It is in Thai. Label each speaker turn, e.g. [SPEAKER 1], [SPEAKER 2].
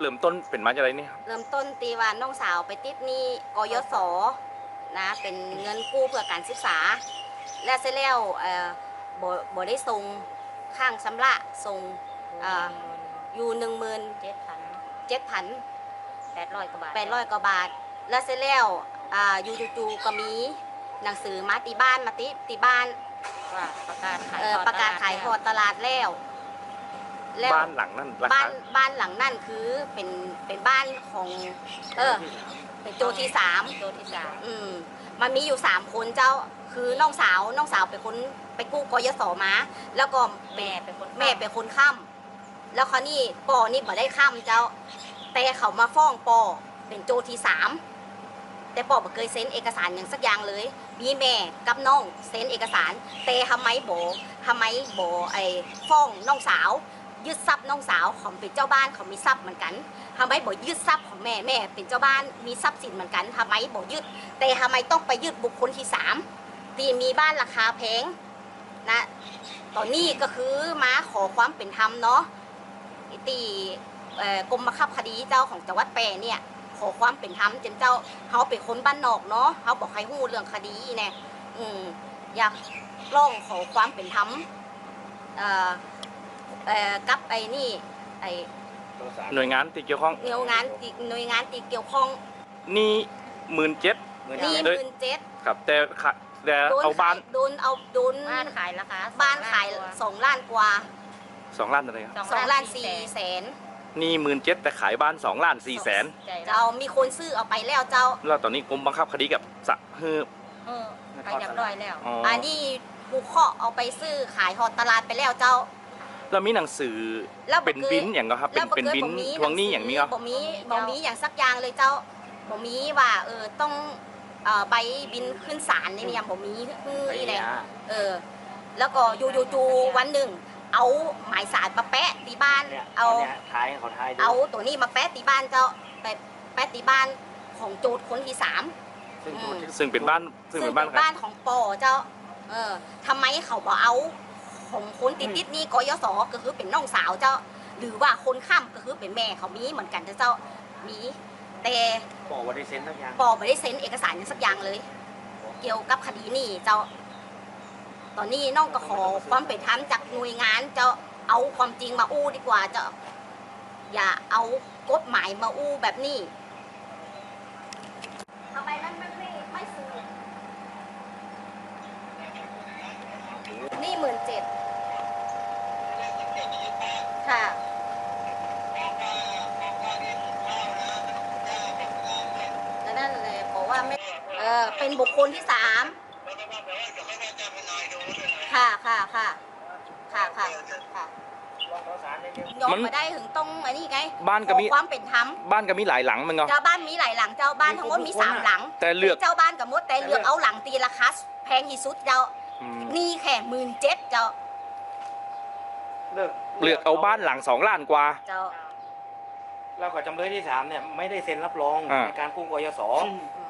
[SPEAKER 1] เริ่มต้นเป็นมาจากอะไรนี่ครับ
[SPEAKER 2] เริ่มต้นตีว่าน้องสาวไปติดหนี้กยศนะเป็นเงินกู้เพื่อการศึกษาและเสร็จแล้วบ่ได้ส่งข้างชำระส่งอยู่17,000
[SPEAKER 3] 800 กว่าบาท
[SPEAKER 2] 800 กว่าบาทแล้วเสร็จแล้วอยู่จู่ๆก็มีหนังสือมาตีบ้านมาตีบ้าน
[SPEAKER 3] ว่าประกาศขาย
[SPEAKER 2] ทอดตลาดแล้ว
[SPEAKER 1] บ้านหลังนั้นราคา
[SPEAKER 2] บ้านหลังนั่นคือเป็นบ้านของเป็นโจที่3มันมีอยู่3คนเจ้าคือน้องสาวเป็นคนไปกู้กยศมาแล้วก็แม่เป็นคนค้ำแล้วเขานี่ปอนี่บ่ได้ค้ำเจ้าแต่เขามาฟ้องปอเป็นโจที่3แต่ปอบ่เคยเซ็นเอกสารอย่างสักอย่างเลยมีแม่กับน้องเซ็นเอกสารแต่ทำไมบ่ไอ้ฟ้องน้องสาวยึดทรัพย์น้องสาวของเป็นเจ้าบ้านเขามีทรัพย์เหมือนกันทำไมบ่ยึดทรัพย์ของแม่เป็นเจ้าบ้านมีทรัพย์สินเหมือนกันทำไมบ่ยึดแต่ทำไมต้องไปยึดบุคคลที่3ที่มีบ้านราคาแพงนะตอนนี้ก็คือมาขอความเป็นธรรมเนาะตีกรมบังคับคดีเจ้าของจังหวัดแปรเนี่ยขอความเป็นธรรมจนเจ้าเขาเป็นคนบ้านนอกเนาะเขาบอกให้หู้เรื่องคดีเนี่ยอยากร้องขอความเป็นธรรมกับไอ้นี่ไอ้
[SPEAKER 1] หน่วยงานที่เกี่ยวข้อง
[SPEAKER 2] หน่วยงานที่เกี่ยวข้อง
[SPEAKER 1] นี่17,000
[SPEAKER 2] นี่17,000
[SPEAKER 1] ครับแต่เอาบ้าน
[SPEAKER 2] โดน
[SPEAKER 3] บ้านขายราคา
[SPEAKER 2] 2 ล้านกว่า
[SPEAKER 1] 2 ล้านอะไรครับ
[SPEAKER 2] 2 ล้าน4 แสน
[SPEAKER 1] นี่17,000แต่ขายบ้าน2 ล้าน4 แสน
[SPEAKER 2] เจ้ามีคนซื้อเอาไปแล้วเจ้า
[SPEAKER 1] แล้วตอนนี้กรมบังคับคดีกับสะ
[SPEAKER 3] ไปจับร้อยแล้ว
[SPEAKER 2] อันนี้ผู้เคาะเอาไปซื้อขายหอดตลาดไปแล้วเจ้า
[SPEAKER 1] แล้วมีหนังสือเป็นบินอย่างก็ครับเป็นบินทวงหนี้อย่างนี้ก็
[SPEAKER 2] บ่มีอย่างสักอย่างเลยเจ้าบ่มีว่าต้องใบบินขึ้นศาลนี่เนี่ยบ่มีนี่แหละแล้วก็อยู่วันหนึ่งเอาหมายสารมาแปะตีบ้านเอาตัวนี้มาแปะตีบ้านเจ้าแปะตีบ้านของโจทย์คนที่3
[SPEAKER 1] ซึ่งเป็นบ้าน
[SPEAKER 2] ของปอเจ้าทำไมเขาบอกเอาของคนติดนี่กยศก็คือเป็นน้องสาวเจ้าหรือว่าคนข้ามก็คือเป็นแม่เขามีเหมือนกันเจ้ามีแต่
[SPEAKER 4] ปอไม่ได้เซ็นสักอย่าง
[SPEAKER 2] ไม่ได้เซ็นเอกสารสักอย่างเลย เกี่ยวกับคดีนี่เจ้าตอนนี้น้องก็ขอความเป็นธรรมจากหน่วยงานเจ้าเอาความจริงมาอู้ดีกว่าเจ้าอย่าเอากฎหมายมาอู้แบบนี้ทำไมมันไม่ซื้อนี่17,000ค่ะนั่นเลยบอกว่าไม่เป็นบุคคลที่3ค่ะยอมมาได้ถึงต้องอันนี้ไง
[SPEAKER 1] บ้านก็มี
[SPEAKER 2] ความเป็นธรรม
[SPEAKER 1] บ้านก็มีหลายหลังมันก็
[SPEAKER 2] เจ้าบ้านมีหลายหลังเจ้าบ้านทั้งหมดมี3 หลัง
[SPEAKER 1] แต่เลือก
[SPEAKER 2] เจ้าบ้านกับมดแต่เลือกเอาหลังตีราคาแพงที่สุดเจ้านี่แค่17,000เจ้า
[SPEAKER 1] เลือกเอาบ้านหลัง2 ล้านกว่า
[SPEAKER 2] เจ้า
[SPEAKER 4] แล้วก็จำเลยที่3เนี่ยไม่ได้เซ็นรับรองในการกู้กยศ